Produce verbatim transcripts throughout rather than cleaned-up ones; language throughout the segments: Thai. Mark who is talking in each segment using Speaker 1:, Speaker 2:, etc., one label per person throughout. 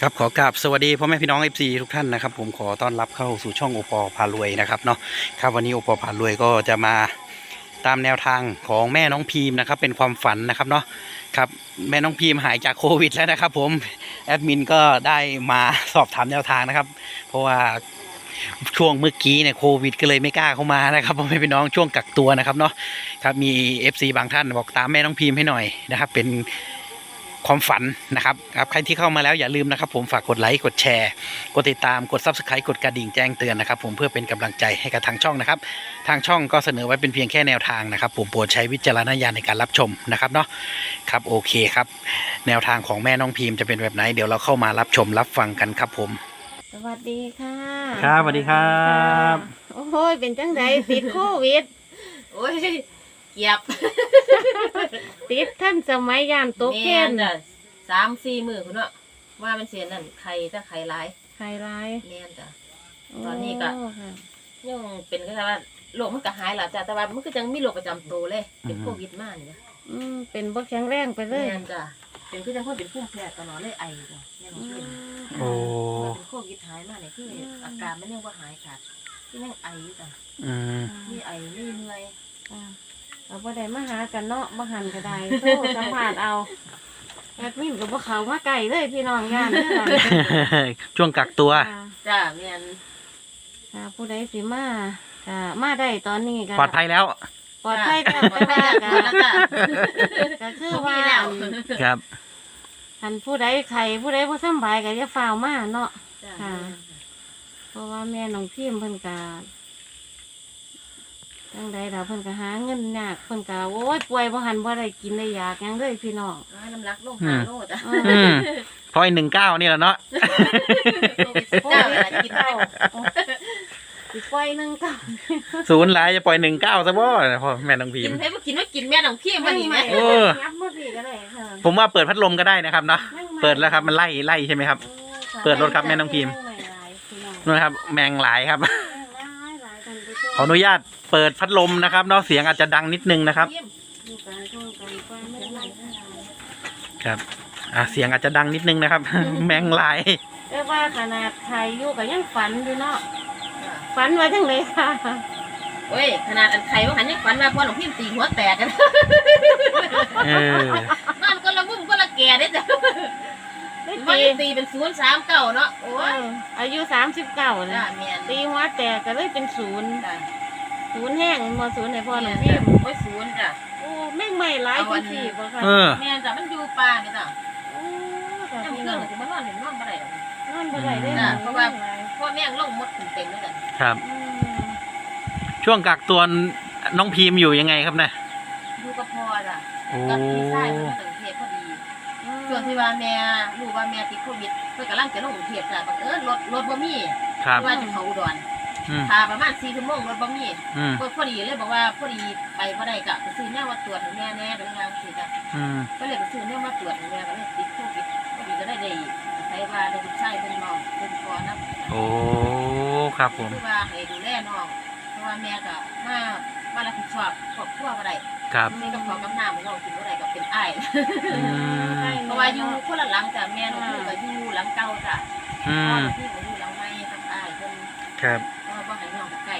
Speaker 1: ครับขอกราบสวัสดีพ่อแม่พี่น้อง เอฟ ซี ทุกท่านนะครับผมขอต้อนรับเข้าสู่ช่องโอปอพารวยนะครับเนาะครับวันนี้โอปอพารวยก็จะมาตามแนวทางของแม่น้องพีมนะครับเป็นความฝันนะครับเนาะครับแม่น้องพีมหายจากโควิดแล้วนะครับผมแอดมินก็ได้มาสอบถามแนวทางนะครับเพราะว่าช่วงเมื่อกี้เนี่ยโควิดก็เลยไม่กล้าเข้ามานะครับพ่อแม่พี่น้องช่วงกักตัวนะครับเนาะครับมี เอฟ ซี บางท่านบอกตามแม่น้องพีมให้หน่อยนะครับเป็นความฝันนะครับครับใครที่เข้ามาแล้วอย่าลืมนะครับผมฝากกดไลค์กดแชร์กดติดตามกด ซับสไครบ์ กดกระดิ่งแจ้งเตือนนะครับผมเพื่อเป็นกำลังใจให้กับทางช่องนะครับทางช่องก็เสนอไว้เป็นเพียงแค่แนวทางนะครับผมโปรดใช้วิจารณญาณในการรับชมนะครับเนาะครับโอเคครับแนวทางของแม่น้องพิมจะเป็นแบบไหนเดี๋ยวเราเข้ามารับชมรับฟังกันครับผม
Speaker 2: สวัสดีค่ะ
Speaker 1: ครับสวัสดีครับ
Speaker 2: โอ้โหเป็นจังไดติดโควิด
Speaker 3: โอ้ยเกียบ
Speaker 2: ติดท่านสมัยยามตกเกณฑ์
Speaker 3: จ้ะสามสี่มือคุณเนาะว่ามันเสียนั่นไข่ถ้าไข่ร้าย
Speaker 2: ไข่ร้าย
Speaker 3: แม่นจ้ะตอนนี้ก็ยังเป็นก็แต่ว่าโรคมันก็หายแล้วจ้ะแต่ว่ามันก็ยังมีโรคประจำตัวเลยเป็นโควิดมากนี่จ้ะ
Speaker 2: อืมเป็นบ่แข็งแรงไปเลย
Speaker 3: แม่นจ้ะเป็นก็ยังคนเป็นภูมิแพ้ตลอดเลยไอจ้ะแม่นบ่เป็น
Speaker 1: โอ้
Speaker 3: เป็นโควิดหายมาเนี่ยคืออาการมันยังบ่หายขาดที่ยังไออยู่จ้ะ
Speaker 1: อืม
Speaker 3: มีไอมีเหนื่อย
Speaker 2: เราบ่ได้มาหากันเนาะบ่หันก็ได้โทรสัมภาษณ์เอาแอดมินก็บ่เข้ามาไกลเลยพี่น้องย่านเด้อ
Speaker 1: ช่วงกักตัว
Speaker 3: จ้ะแม่น
Speaker 2: ค่ะผู้ใดสิมาก็มาได้ตอนนี้ก็
Speaker 1: ปลอดภัยแล้ว
Speaker 2: ปลอดภัยแล้วปลอดภัยแล้วก็คือว่า
Speaker 1: ครับ
Speaker 2: คันผู้ใดไข้ผู้ใดบ่สบายก็อย่าฟ้าวมาเนาะค่ะเพราะว่าแม่น้องพิมเพิ่นก็จังใดล่ะเพิ่นก็หาเงินยากเพิ่นก็โอ้ยป่วยบ่หันบ่ได้กินได้ยากหยังเลยพี่น้อง
Speaker 3: น้ำลักลงหาโลดอ่ะ
Speaker 1: พอยหนึ่งเก้านี่แหละเนาะ
Speaker 3: เก้ากินเก้า
Speaker 2: สิปล่อยหนึ่งเก้า
Speaker 1: ศูนย์หลายจะปล่อยหนึ่งเก้าซะบ่พ่อแม่น้องพิม
Speaker 3: กินให้บ่กินว่ากินแม่น้องพิมมันนี่แม่
Speaker 1: เออผมว่าเปิดพัดลมก็ได้นะครับเนาะเปิดแล้วครับมันไล่ไล่ใช่ไหมครับเปิดรถครับแม่น้องพิมนะครับแมงหลายครับขออนุญาตเปิดพัดลมนะครับเนาะเสียงอาจจะดังนิดนึงนะครับครับอ่ะเสียงอาจจะดังนิดนึงนะครับแมงหลาย
Speaker 2: เรียกว่าขนาดไทยอยู่กับยังฝันอยู่เนาะฝันไว้จังเลยค่ะ
Speaker 3: โอ้ยขนาดอันไข่ว่าหันยังฝันว่าพ่อหลวงพี่ตีหัวแตกกัน
Speaker 1: เออน
Speaker 3: อนก็ละมุ้มก็ละแก่ได้จ้ะวันนี้ตีเป็นศูนย์สามเก้าเนาะโอ้ย
Speaker 2: อายุสามสิบเก้าเลยตีหัวแตกก็เลยเป็นศูนย์ศูนย์แห้งมาศูนย์ในพ่อหลวงพี่
Speaker 3: โอ้ยศูนย์จ้ะ
Speaker 2: โอ้แม่งใหม่หลายคนสี่ป่ะค่ะ
Speaker 3: แม่จ้ะมันอยู่ป่าเนี่ยจ้ะยังเรื่องถึงมันนอนหนึ่งนอนบ่ได้
Speaker 2: นอนบ่ได้ได้
Speaker 3: เพราะว่าพ่อแม่งลงมดเต็มเลยจ้ะ
Speaker 1: ครับช่วงกักตัวน้องพีมอยู่ยังไงครับเนี่ย
Speaker 3: อยู่กับพ่อจ้ะกับพี่ชายมันถึงเทพพอดีส่วนที่ว่าแม่รู้ว่าแม่ติดโควิดเพื่อกำลังจะลงกรุงเทพจ้ะบังเอิญรถรถบ่มีว่าจะเขาอุดรพาประมาณสี่ชั่วโมงรถบ่มีก็พอดีเลยบอกว่าพอดีไปบ่ได้กะไปซื้อเนี่ยมาตรวจให้แม่แน่เป็นยังสิจ้ะก็เลยไปซื้อเนี่ยมาตรวจให้แม่ก็เลยติดโควิดพอดีก็ได้ได้ใช้ว่าได้ลูกชายเป็นน้องเป็นพ่อนะ
Speaker 1: โอ้ครับผม
Speaker 3: คือว่าให้ดูแลน้องเพราะว่าแม่ก็มามารับผิดชอบครอบครัวบ่ได้
Speaker 1: ครับ
Speaker 3: นี่กับพ่อกับน้าของเรากินบ่ได้ก็เป็นอ้ายเพราะว่าอยู่คนละหลังจ้ะแม่น้องพี่ก็อยู่หลังเก่าจ้ะพ่อพี่ก็อยู่หลังใหม่กับอ้ายเพิ่น
Speaker 1: ครับ
Speaker 3: ก็บ่ให้น้องใกล้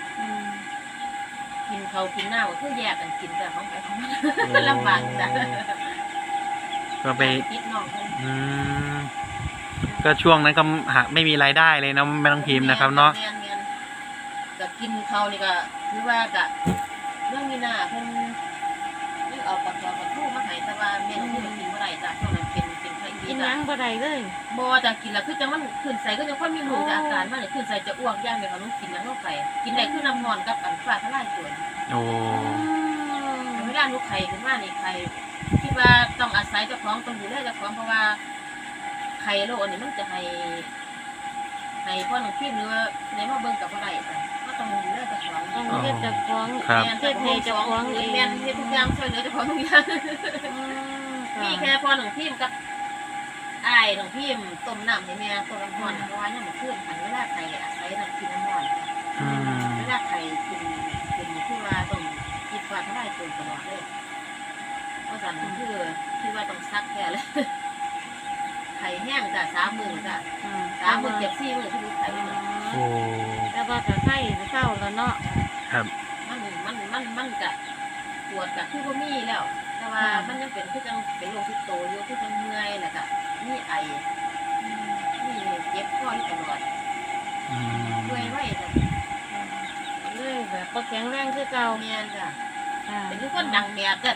Speaker 3: กินเขากินหน้าก็คือแยกกันกินแต่ของไปของมันลำบากจ้ะ
Speaker 1: ก็ไปอืมก็ช่วงนั้นก็หาไม่มีรายได้เลยนะแม่น้องพิมนะครับเนาะ
Speaker 3: ก็กินเขานี่ก็คือว่าก็เรื่องนี้น่ะเพิ่นนี่เอาปลาทอดปลาทูมาให้แต่ว่าแม่น้องพิมกินบ่ได้จ้ะเพราะมันเป็นเป็นไข้อี
Speaker 2: กินหยังบ่ได้เลย
Speaker 3: บ่จ้ะกินแล้วคือจังมันขึ้นใส่ก็ยังค่อยมีหมูจากอาการมันขึ้นใส่จะอ้วกย่างเดี๋ยวเขาต้องกินแล้วเข้าไปกินได้คือน้ำนอนกับอันฟ้าทลายโจร
Speaker 1: โอ้
Speaker 3: ไม่ได้ลูกไข่ขึ้นมานี่ไข่คิดว่าต้องอาศัยเจ้าของต้องดูแลเจ้าของเพราะว่าไข่โรคอันนี้มันจะให้ให้พ่อหนุ่มพี่เนื้อในมาเบิ่งกับอะไรจ้ะก็ต้องดูแลเจ้าของ
Speaker 2: ต้องเฮ็ดเจ้าของ
Speaker 3: แม่เฮ็ดให้เจ้าของเองแม่เฮ็ดทุกอย่างช่วยเหลือเจ้าของทุกอย่างมีแค่พ่อหนุ่มพี่กับไอ้หนุ่มพี่ต้มน้ำให้แม่ต้มน้ำร้อนเพราะว่าเนี่ยมันขึ้นขันเวลาไข่อาศัยน้ำกินน้ำร้อนเวลาไข่กินกินคือว่าต้องกินฟ้าทลายโจรตลอดเลยเพราะฉะนั้นคือคือว่าต้องซักแค่เลยไข่แห้ห้งจ้ะสามหมื่นจ้ะสามหมื่นเจ็ดสี่หมื่นที่ลูกไข่เนี่ย
Speaker 1: โอ้
Speaker 2: แต่ว่าก็ไข้เศร้าแล้วเนาะ
Speaker 1: ครับ
Speaker 3: มันมันมันมันจะปวดกับที่พ่มีแล้ว แต่ว่ามันยังเป็นคือจังเป็นโรคที่โตอยู่คือจังเมื่อยแล้วก็มีไอมีเจ็บคออยู่ตลอด
Speaker 1: อืม
Speaker 3: เมื่อยไว้จ้ะ
Speaker 2: เลยแบบบ่แข็งแรงคือเก่า
Speaker 3: เมียนจ้ะ
Speaker 2: ค่ะ
Speaker 3: เป็นทุกคนดังแบบจ้ะ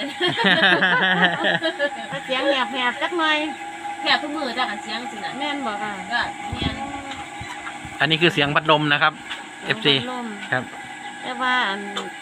Speaker 2: ถ้าเสียงแหบๆจักหน่อย
Speaker 3: แค่ทุกมือจ้ะกันเสียงสินะ
Speaker 2: แม่นบ่ค่ะ
Speaker 3: ก็เมียน
Speaker 1: อันนี้คือเสียงพัดลมนะครับ เอฟ ซี
Speaker 2: ลม
Speaker 1: ครับ
Speaker 2: แต่ว่าอัน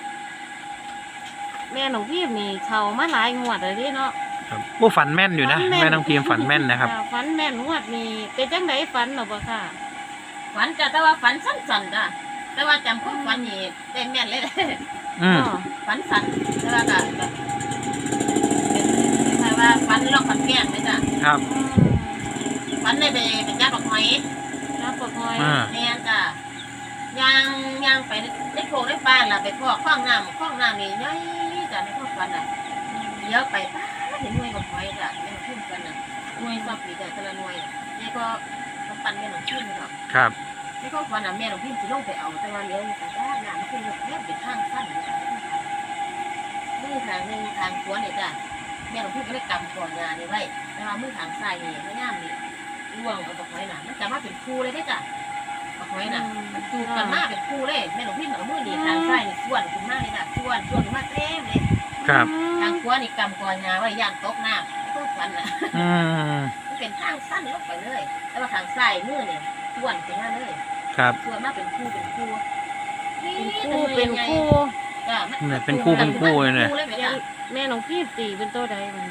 Speaker 2: แม่หนูพี่นี่เขามาหลายงวดเลยเดิเนาะ
Speaker 1: ครับโอ้ฝันแม่นอยู่นะ
Speaker 2: ฝันแม่น
Speaker 1: แม่น้องพิมพ์ฝันแม่นนะครับ
Speaker 2: ค่ะฝันแม่นงวดนี้เป็นจังไดฝันหรอบ่ค่ะ
Speaker 3: ฝันจ้ะแต่ว่าฝันสั้นๆจ้ะแต่ว่าจำความฝันนี่ได้แม่นเลย
Speaker 1: อืม
Speaker 3: ฝันสั้นแต่ว่าก็ก็เป็นคล้ายๆว่าฝันลอกฝันแกล้งเลยจ้ะ
Speaker 1: ครับ
Speaker 3: ฝันได้ไปเป็นญาติบักหอย
Speaker 2: น้ำปกหอย
Speaker 1: อ่า
Speaker 3: แม่นจ้ะย่างย่างไปในโพรงในป่าล่ะไปพอกคล้องน้ำคล้องน้ำนี่ใหญ่จ้ะในความฝันน่ะเลี้ยวไปป้าเห็นหน่วยบักหอยจ้ะแม่นขึ้นกันน่ะหน่วยซับปีแต่แต่ละหน่วยนี่ก็กำปั้นแม่นขึ้นเนาะ
Speaker 1: ครับ
Speaker 3: ในความฝันน่ะแม่หลวงพี่สิลงไปเอาแต่ว่าเลี้ยวอยู่กันด้านน้ำขึ้นแบบแม่เป็นทางสั้นเลยจ้ะมือทางหนึ่งทางขวาเนี่ยจ้ะแม่หลวงพี่ก็ได้กำก่อนงานนี่ไว้แต่ว่ามือทางซ้ายนี่ไม่ย่ามนี่ล่วงเอาบักหอยน่ะมันจะมาเป็นคู่เลยได้จ้ะบักหอยน่ะมันจูบกันมาเป็นคู่เลยแม่หลวงพี่เอามือนี่ทางซ้ายนี่ส่วนขึ้นมาเลยจ้ะส่วนส่วนขึ้นมาเต็มเลย
Speaker 1: ครับ
Speaker 3: ทางขวานี่กำก่อนงานไว้ย่านตกน้ำในความฝันน่ะ
Speaker 1: อืม
Speaker 3: มันเป็นทางสั้นลงไปเลย แต่ว่าทางซ้ายมือนี่ส่วนขึ้นมาเลย
Speaker 1: ครับ
Speaker 3: ส่วนมากเป็นคู่เป็นคู่
Speaker 2: เป็นคู่เป็นคู่
Speaker 3: จ้ะ
Speaker 1: เนี่ยเป็นคู่เป็นคู่เลยเนี่ย
Speaker 3: คู่เลยไหมจ้ะ
Speaker 2: แม่หนูพี่ตีเป็นตัวใดมัน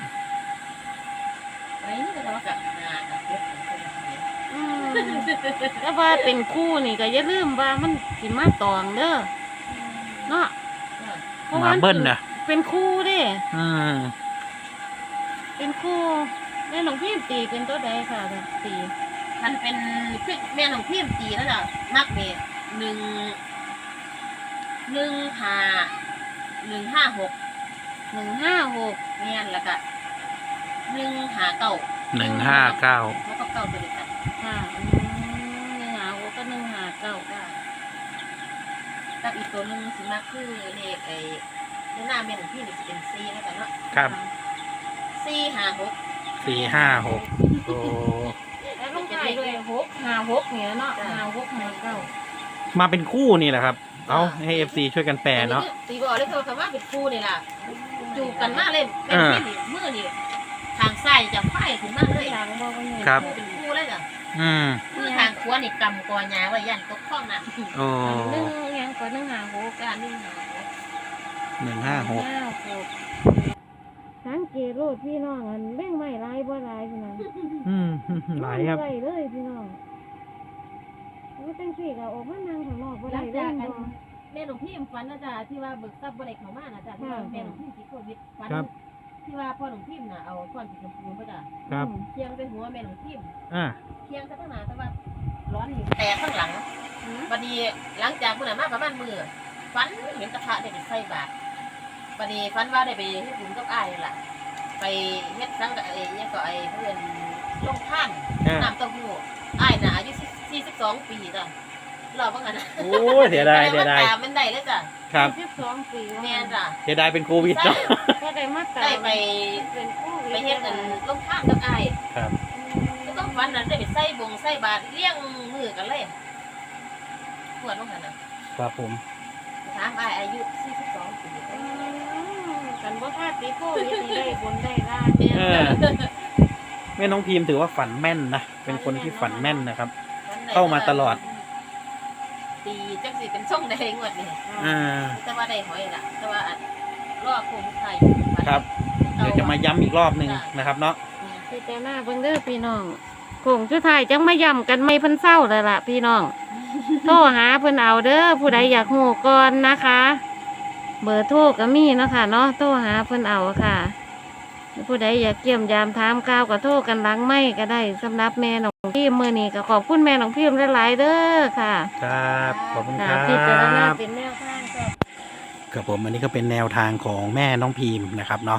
Speaker 3: ไอ้นี่ก็จะว่ากับงานกับเพื่อนคนละคน
Speaker 2: อืมแต่ว่าเป็นคู่นี่ก็อย่าลืมว่ามันสิมาตองเด้อเนาะเพราะ
Speaker 1: ห
Speaker 2: ว่า
Speaker 1: มาเบิ้ลนะ
Speaker 2: เป็นคู่เด้
Speaker 1: อืม
Speaker 2: เป็นคู่แม่หลวงพี่ตีเป็นตัวใดค่ะตี
Speaker 3: มันเป็นคือแม่ของพี่ตีแล้วจ้ะมักเนี่ยหนึ่งหนึ่งห้าหนึ่งห้าหก
Speaker 2: หนึ่งห้าหก
Speaker 3: เงี้ยแล้วก็หนึ่งห้าเก้า
Speaker 1: หนึ่งห้าเก้า
Speaker 3: แล้วก็เก้าตัวเดียวกัน
Speaker 2: ค่ะอืมหนึ่งหาหกก็หนึ่งหาเก้า
Speaker 3: จ้ะกับอีกตัวหนึ่งสิมากคือเลขไอ้ในหน้าแม่ของพี่นี่จะเป็นซีแล้วกันเนาะ
Speaker 1: ครับ
Speaker 3: ซีห้าหก
Speaker 1: สี่ห้าหกโอ้
Speaker 2: แล้วลูกไก่ด้วยหกหาหกเนี่ยเนาะหาหกหาเก้า
Speaker 1: มาเป็นคู่นี่แหละครับ เอาให้เอฟซีช่วยกันแปลเนาะ
Speaker 3: ตีบอกเลยคือคำว่าเป็นคู่นี่ล่ะจูบกันมากเลยเป็นพี่นี่มือนี่ทางซ้ายจะไฟถึงมากเลย
Speaker 2: หลังบอกว่าเนี่ย
Speaker 1: ครับ
Speaker 3: เป็นคู่เลยจ้ะ
Speaker 1: อืม
Speaker 3: มือทางขวานี่กำกอยาไว้ยันตกข้องน่ะ
Speaker 1: โอ้
Speaker 2: หนึ่งยังก่อนหนึ่งหาหก
Speaker 3: การนี่หา
Speaker 1: หนึ่งห้าหก
Speaker 2: ห้าหกสังเกตโลดพี่น้องอันแบ่งไม่ลายบ่ลายพี่น้อง
Speaker 1: อืมหลายครับ
Speaker 2: ไล่เลยพี่น้องว่าจังสี่ก็ออกมานั่งข้างนอกบ่
Speaker 3: หลั
Speaker 2: ได้
Speaker 3: ง
Speaker 2: เล่
Speaker 3: จาก
Speaker 2: น
Speaker 3: กัน
Speaker 2: บ่
Speaker 3: แม่หลวงพี่ฝันนะจ๊ะที่ว่าเบิกทรัพย์บริเขามานะจ๊ะที่ว่าแม่หลวงพี่ติดโควิดฝันที่ว่าพ่อหลวงพี่น่ะเอาก้อนสีชมพูมาจ้ะ
Speaker 1: ครับ
Speaker 3: เคียงเป็นหัวแม่หลวงพี่
Speaker 1: อ่า
Speaker 3: เคียงจะตั้งนานแต่ว่าร้อนอยู่แต่ข้างหลังบัดนี้หลังจากเมื่อไหร่มาประมาณมือฝันเห็นตะพระได้ไปใส่บาตรบัดนี้ฝันว่าได้ไปเฮ็ดบุญกับอ้ายล่ะไปเฮ็ดสังกับไอ้เนี่ยก็ไอ้เพื่อนลงท่าน
Speaker 1: อ่า
Speaker 3: น้ำเต้าหู้อ้ายน่ะอายุสี่สิบสองปีจ้ะรอบว่างั้นนะ
Speaker 1: โอ้ยเสียดายเสียดาย
Speaker 3: แต่ว่าตมันได้เลยจ้ะ
Speaker 1: ครับ
Speaker 2: สิบสองปี
Speaker 3: แม่นจ้ะ
Speaker 1: เสียดายเป็นโควิดเนาะ
Speaker 2: ก็ได้มาตา
Speaker 3: ได้ไป
Speaker 2: เป็นคู่
Speaker 3: ไปเฮ็ดกันลงท่านกับอ้าย
Speaker 1: ครับ
Speaker 3: ก็ต้องฝันนั้นได้ไปใส่บงใส่บาตรเลี้ยงมือกันเลยปวดว่างั้นน่ะ
Speaker 1: ครับผม
Speaker 3: ถามอ้ายอายุสี่สิบสองปี
Speaker 2: อืมกันบ่พลาดตีโควิดนี่ได้บนได้ล่าง
Speaker 3: แม่น
Speaker 1: เออแม่น้องพิมพ์ถือว่าฝันแม่นนะเป็นคนที่ฝันแม่นนะครับ เข้ามาตลอด
Speaker 3: ตีจังสิเป็นช่องใดงวดนี่
Speaker 1: อ่า
Speaker 3: แต่ว่าได้หอยล่ะแต่ว่าอันรอบโคงไทย
Speaker 1: ครับ เดี๋ยวจะมาย้ำอีกรอบหนึ่งนะครับเนาะ
Speaker 2: พี่แต่หน้าเบิ่งเด้อพี่น้องโคงสุดท้ายจังมาย่ำกันไม่เพิ่นเศร้าเลยล่ะพี่น้อง โทรหาเพิ่นเอาเด้อผู้ใดอยากฮู้ก่อนนะคะ เบอร์โทรก็มีเนาะค่ะเนาะโทรหาเพิ่นเอาค่ะ ผู้ใดอยากเกี่ยมยามถามข่าวก็โทรกันหลังไม่ก็ได้สำหรับแม่น้องพิมพ์มื้อนี้ก็ขอบคุณแม่น้องพิมพ์หลายๆเด้อค่ะ
Speaker 1: ครับขอบคุณค
Speaker 2: ค่ะ
Speaker 1: รับ
Speaker 2: พิจารณาเป็นแนวทางก็
Speaker 1: ครับผมอันนี้ก็เป็นแนวทางของแม่น้องพิมพ์นะครับเนาะ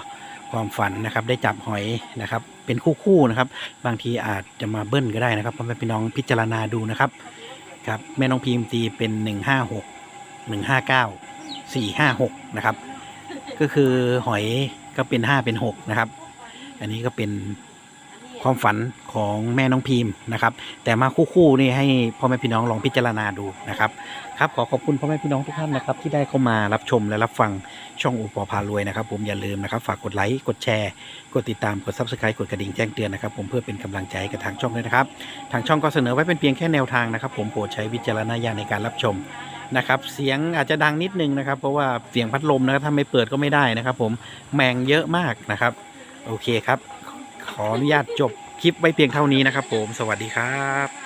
Speaker 1: ความฝันนะครับได้จับหอยนะครับเป็นคู่ๆนะครับบางทีอาจจะมาเบิ้ลก็ได้นะครับพ่อแม่พี่น้องพิจารณาดูนะครับครับแม่น้องพิมพ์ตีเป็นหนึ่งห้าหกหนึ่งห้าเก้าสี่ห้าหกนะครับก็คือหอยก็เป็นห้าเป็นหกนะครับอันนี้ก็เป็นความฝันของแม่น้องพิมพ์นะครับแต่มาคู่ๆนี่ให้พ่อแม่พี่น้องลองพิจารณาดูนะครับครับขอขอบคุณพ่อแม่พี่น้องทุกท่านนะครับที่ได้เข้ามารับชมและรับฟังช่องโอปอพารวยนะครับผมอย่าลืมนะครับฝากกดไลค์กดแชร์กดติดตามกด ซับสไครบ์ กดกระดิ่งแจ้งเตือนนะครับผมเพื่อเป็นกำลังใจกับทางช่องด้วยนะครับทางช่องก็เสนอไว้เป็นเพียงแค่แนวทางนะครับผมโปรดใช้วิจารณญาณในการรับชมนะครับเสียงอาจจะดังนิดนึงนะครับเพราะว่าเสียงพัดลมนะครับถ้าไม่เปิดก็ไม่ได้นะครับผมแมงเยอะมากนะครับโอเคครับขออนุญาตจบคลิปไว้เพียงเท่านี้นะครับผมสวัสดีครับ